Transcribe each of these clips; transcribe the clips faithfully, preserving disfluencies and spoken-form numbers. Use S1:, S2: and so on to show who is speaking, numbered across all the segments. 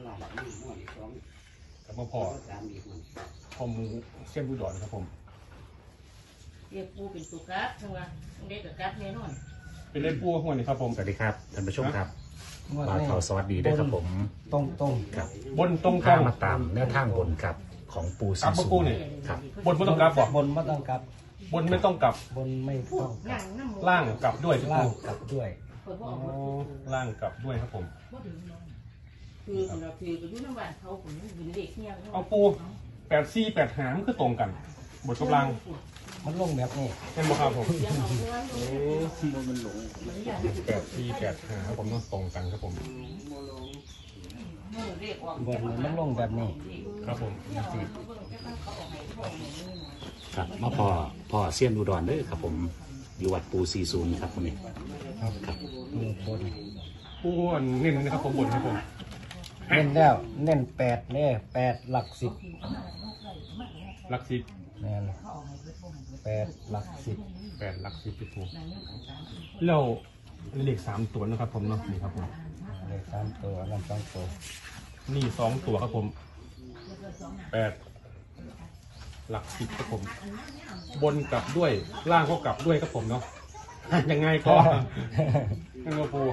S1: กับมาพอพอมูเส้นบุดอนครับผม
S2: เรียกปูเป็นตุกัดใช่ไหมเด็กกับกัดแน่นอน
S1: เป็นเล่นปูหัวนี่ครับผม
S3: สวัสดีครับท่านผู้ชมครับบ่าวเฒ่าสวัสดีด้วยครับผม
S4: ตรงตรง
S3: ครับ
S1: บนตรง
S3: ข้ามาตามแนวทางบนครับของปูซีซูนครับ
S1: บนไม่ต้องกลับบอก
S4: บนไม่ต้องกลับบ
S1: นไม่ต้องกลับ
S4: บนไม่ต้องกลับ
S1: ล่างกลับด้วย
S4: ล่างกลับด้วย
S1: ล่างกลับด้วยครับผม
S2: คือเราคือไปดูน้ำหวานเขาผมเป็นเด็กเนี่ย
S1: เอาปูแปดซี่แปดหามคือตรงกันบทกำลัง
S4: มันลงแบบนี้
S1: เป็นบ่ครับผมแปดซี่แปดหาผมต้องตรงกันครับผม
S4: บนมันลงแบบนี้
S1: ครับผม
S3: ครับมาพอพอเซียนอุดรเด้อครับผมอยู่วัดปูซีซูนครับคนนี้
S4: ครับครับบน
S1: ปูเน้นนะครับผมบนครับผม
S4: เน้นแล้วเน้นแปดเนี่ยแปดหลักสิบ
S1: หลักสิบ
S4: แน่นแปดหลักสิบ
S1: แปดหลักสิบพี่ปูแล้วเลขสามตัวนะครับผมเนาะนี่ครับผม
S4: เลขสามตัวนั่นสองตัว
S1: นี่สองตัวครับผมแปดหลักสิบครับผมบนกลับด้วยล่างก็กลับด้วยครับผมเนาะยังไงก็ยังไงปู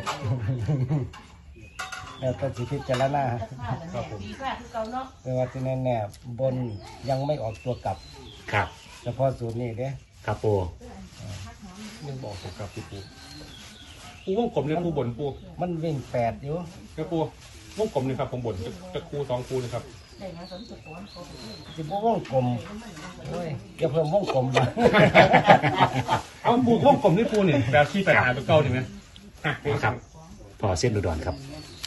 S4: แล้วก็สิพิจารณา
S1: ครับผม
S4: แต่ว่าที่แน่ๆบนยังไม่ออกตัวกลับ
S3: ครับ
S4: เฉพาะสูตรนี้เด้
S3: ครับปู
S1: ยังบอกตัวกลับพี่ปูปูวงกลมเนี่ยปูบนปู
S4: มันวิ่งแปดอยู่
S1: เนี่ยปูวงกลมเลยครับผมบนจะคูสองคูนะครับ
S4: จะปูวงกลมโอ้ยจะเพิ่มวงกลมมา
S1: เอาปูวงกลมนี่ปูเนี่ยแบบที่แปดหาตัวเก้าใช่ไหม
S3: ครับพอเซียนอุดรครับ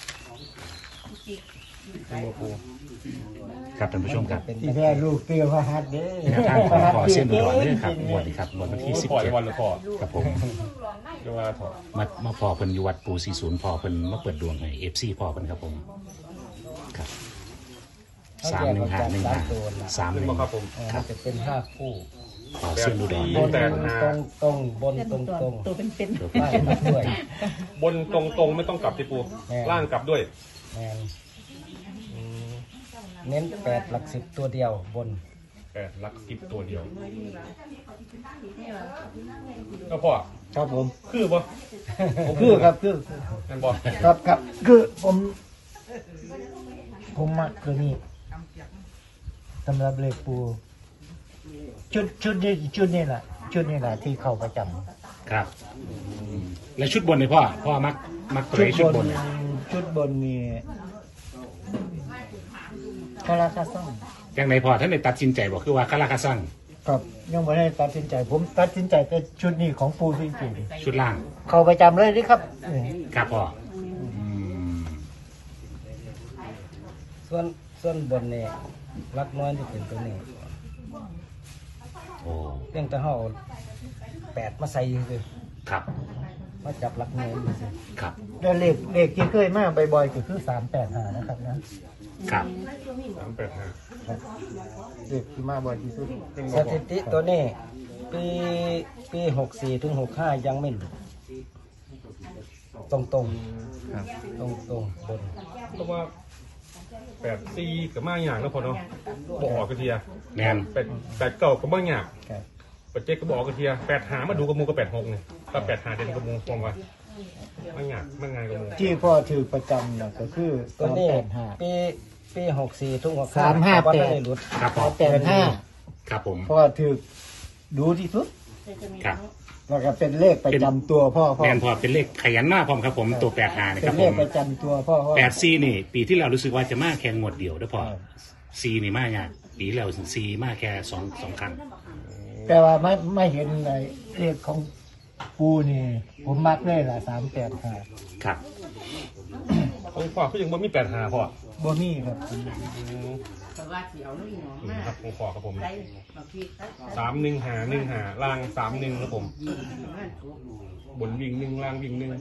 S3: ครับท่านผู้ชมครับ
S4: ที่แม่ลูกเตี้ยพระหัตเด้
S3: แนวทางของพอเซียนอุดรเนี่ยครับงวดนี้ครับงวดวันที่สิบเจ็ดครับผมมามาพอเพิ่นอยู่วัดปูซีศูนย์พอเพิ่นมาเปิดดวงให้เอฟซีพอเพิ่นครับผมครับสามหนึ่งห้าหนึ่งห้าสามหนึ่ง
S1: ครับผม
S4: ครับจะเป็นห้าคู่
S3: พอเซียนอุดร
S4: บนตรงตรงบนตรงตรง
S2: ตัวเป็นเป็น
S4: ล่างกลับด้วย
S1: บนตรงตรงไม่ต้องกลับที่ปูล่างกลับด้วย
S4: เน้นแปดหลักสิบตัวเดียวบน
S1: แปดหลักสิบตัวเดียวก็พอ
S4: ครับผม
S1: คือปะ
S4: คือครับคือ
S1: นั่นบอก
S4: ครับครับคือผมผมมักคือนี่สำหรับเลขปูชุดชุดนี้ชุดนี้แหละชุดนี้แหละที่เข้าประจ
S3: ำครับแล้วชุดบนเลยพ่อพ่อมักมักตัวชุดบน
S4: ชุดบนมีคาราคาซัง
S3: อย่างไรพอท่านได้ตัดสินใจบอกคือว่าคาราคาซัง
S4: ครับยังไม่ได้ตัดสินใจผมตัดสินใจแต่ชุดนี้ของปูจริง
S3: ๆชุดล่าง
S4: เข้าประจำเลยนี่ครับ
S3: ครับพ่อ
S4: ส่วนส่วนบนเนี่ยรักน้อยที่เป็นตัวนี้
S3: โอ้
S4: เพียงแต่ห่อแปดมาใส่เลย
S3: ครับ
S4: มาจับรักน้อยเลย
S3: ครับ
S4: แล้วเลขเลขที่เคยมาบ่อยๆก็คือสามแปดห้านะครับนะครับ
S1: สามแปดห้า
S4: เลขที่มาบ่อยที่สุดสถิติตัวนี้ปีปีหกสี่ถึงหกห้ายังไม่หลุดตรงตรงครับตรงตรงบน
S1: เพราะว่าแปดสี่กับมาอย่างแล้วพอเนาะบอกกระเทีย
S3: แมน
S1: แปดแปดเก่ากับมาอย่างแปดเจ็ดก็บอกกระเทียแปดหามาดูกระมูกับแปดหกเนี่ยถ้าแปดหาเด่นกระมูฟองว่ามาอย่างมาไงกระมู
S4: ที่พ่อถือประจำเนี่ยก็คือตัวนี้ปีปีหกสี่ถึงหกห้าสามห้าแปดหลุด
S3: ครับผม
S4: แปดห้า
S3: ครับผม
S4: พ่อถือดูที่สุด
S3: ครับ
S4: แล้วก็เป็นเลขประจำตัวพ่อพ่อ
S3: แมนพอเป็นเลขขยันมากพร้อมครับผมตัวแปดหานะครับผม
S4: เป็นเลขประจำตัวพ่อ
S3: แปดซีนี่ปีที่เรารู้สึกว่าจะมาแค่งวดเดียวด้วยพอซีนี่มาอย่างปีเราซีมาแค่สองสองครั้ง
S4: แต่ว่าไม่ไม่เห็นในเลขของปูนี่ผมมักเลยล่ะสามแปดห้า
S3: ครับ
S1: ผมขอเขายังบ่มีแปดหาพอ
S4: บ่มีครับ
S1: ครับผมขอครับผมสามหนึ่งหาหนึ่งหาล่างสามหนึ่งครับผมบนวิ่งหนึ่งล่างวิ่งหนึ่ง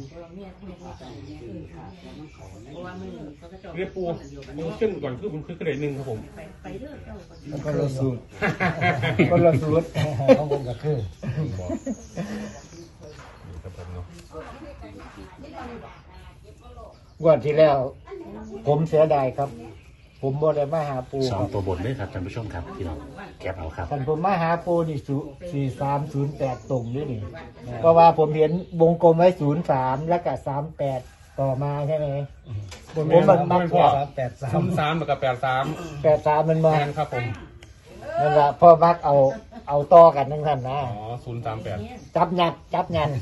S1: เรียกปูปูขึ้นก่อนคือผมคือกระเด็นหนึ่งครับผม
S4: แล้วก็ละสูตรก็ละสูตรของผมก็คือ
S1: ครับผมเนาะ
S4: งวดที่แล้ว ผมเสียดายครับ ผมบ่ได้มาหาปู
S3: สอ
S4: ค
S3: ง
S4: รับ
S3: ตัวบนด้วยครับท่านผู้ชมครับพี่น้องแคปเอาครับ
S4: ท่านผมมาหาปูนี่สี่สามศูนย์แปดตรงนี่นี่เพราะว่าผมเห็นวงกลมไว้ศูนย์สามแล้วก็สามแปดต่อมาใช่ไหมผมมันมักแค่สามแปดสา
S1: ศู
S4: ม
S1: นย์สามกับแปดสาม
S4: แปดสามมันมา
S1: แทนครับผม
S4: นั่นละพ่อมักเอาเอาต่อกันทั้งนั้นนะ
S1: อ๋อศูนย์สามแปด
S4: จับยัดจับยัด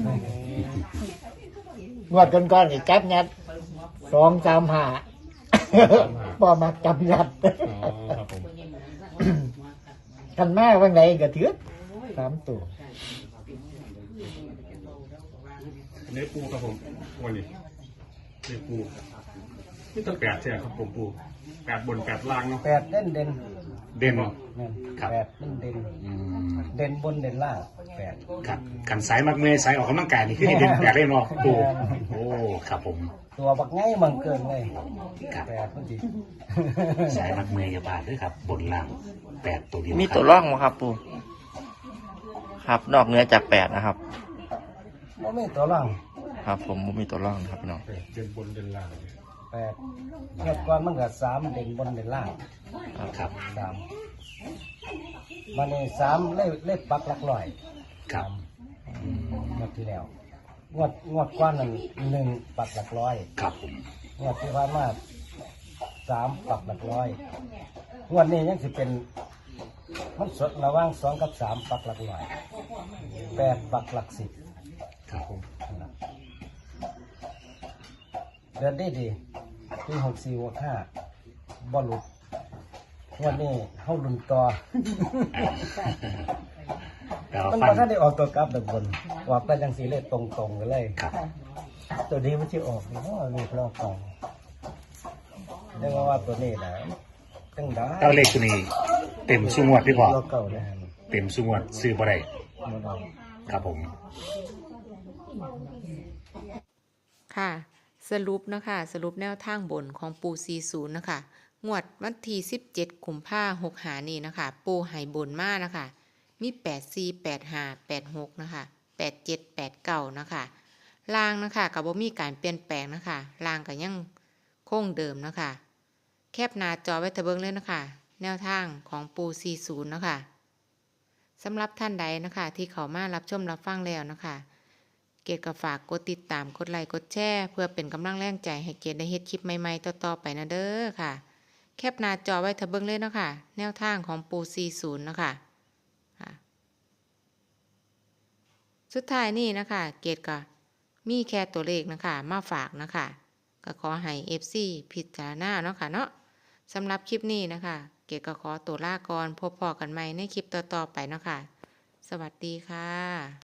S4: งวดก้อนๆนี่จับยัดสองสามห้าพ่อมักจับยัด
S1: อ๋อครับผม
S4: ทันมาวันไหนก็ถือสามตัว
S1: อันนี้ปูครับผมวันนี้นี่ปูนี่ตั้งแปดใช่ไหมครับผมปูแปดบนแปดล่างเนาะ
S4: แปดเด่นเด่น
S3: เด่น
S4: นั่น
S3: ครับ
S4: แปดเด่นเด่น
S3: อืม
S4: เด่นบนเด่นล่างแปด
S3: ครับขันสายมักเมย์สายออกกำลังกายนี่คือให้เด่นแปดเล่นเนาะปูโอ้ครับผม
S4: ตัวบักไงมันเกินเลย
S3: ครับ
S4: แปดพอดี
S3: สายมักเมย์อย่าพลาดด้วยครับ บนล่างแปดตัวเดียว
S5: มี
S3: ครับ
S5: ตัวร่องไหมครับปูครับนอกเหนือจากแปดนะครับ
S4: ว่าไม่ตัวล่าง
S5: ครับผมบ่มีตัวร่องนะครับพี่น้อง
S1: แปดเดินบนเดินล่าง
S4: แปดเทียบก่อนมันก็สามเด่นบนเด่นล่าง
S3: ครับ
S4: สามมันนี่สามเล่เล่ปักหลักร้อย
S3: ครับ
S4: งวดที่แล้วงวดงวดกว้านนั่นหนึ่งปักหลักร้อย
S3: ครับผม
S4: งวดที่ผ่านมาสามปักหลักร้อยงวดนี้ยังสิเป็น มันสดระหว่างสองกับสามปักหลักร้อยแปดปักหลักสิบ
S3: ครับผม
S4: เดินได้ดีปีหกสี่หกห้าบอลลุดงวันนี้เข้าลุนต่อ
S3: แล้ว
S4: มัน
S3: ฟั
S4: มาน ถ้าได้ออกตัวกลับแบบบนออกไปจังสีเลยตรงๆกันเลย
S3: ครับ
S4: ตัวนี้มันจะออกเพราะว่าลูกลอกกองเรียกว่าตัวนี้นะตั้งได้
S3: เต้าเลขตัวนี้ เต็มสุงวดพี่พอ
S4: ลอกเก่าเลย
S3: เต็มสุงวดซื้อบ่ได้
S4: มันเอา
S3: ครับผม
S6: ค่ะสรุปนะคะสรุปแนวทางบนของปูสี่สิบนะคะงวดวันที่สิบเจ็ดกุมภาพันธ์หกหานี่นะคะปูไหบนมานะคะมีแปดสี่แปดห้าแปดหกนะคะแปดเจ็ดแปดเก้านะคะล่างนะคะกับบ่มีการเปลี่ยนแปลงนะคะล่างก็ยังคงเดิมนะคะแคบหน้าจอไว้ทะเบิงเลยนะคะแนวทางของปูสี่สิบนะคะสำหรับท่านใดนะคะที่เขามารับชมรับฟังแล้วนะคะเกดก็ฝากกดติดตามกดไลค์กดแชร์เพื่อเป็นกำลังแรงใจให้เกดได้เฮ็ดคลิปใหม่ๆต่อๆไปนะเด้อค่ะแคปหน้าจอไว้ทะเบิงเลยเนาะค่ะแนวทางของปูสี่สิบนะคะค่ะสุดท้ายนี่นะคะเกดก็มีแค่ตัวเลขนะคะมาฝากนะคะก็ขอให้ เอฟ ซี พิจารณาเนาะค่ะเนาะสำหรับคลิปนี้นะคะเกดก็ขอตัวลาก่อนพบพอกันใหม่ในคลิปต่อๆไปเนาะค่ะสวัสดีค่ะ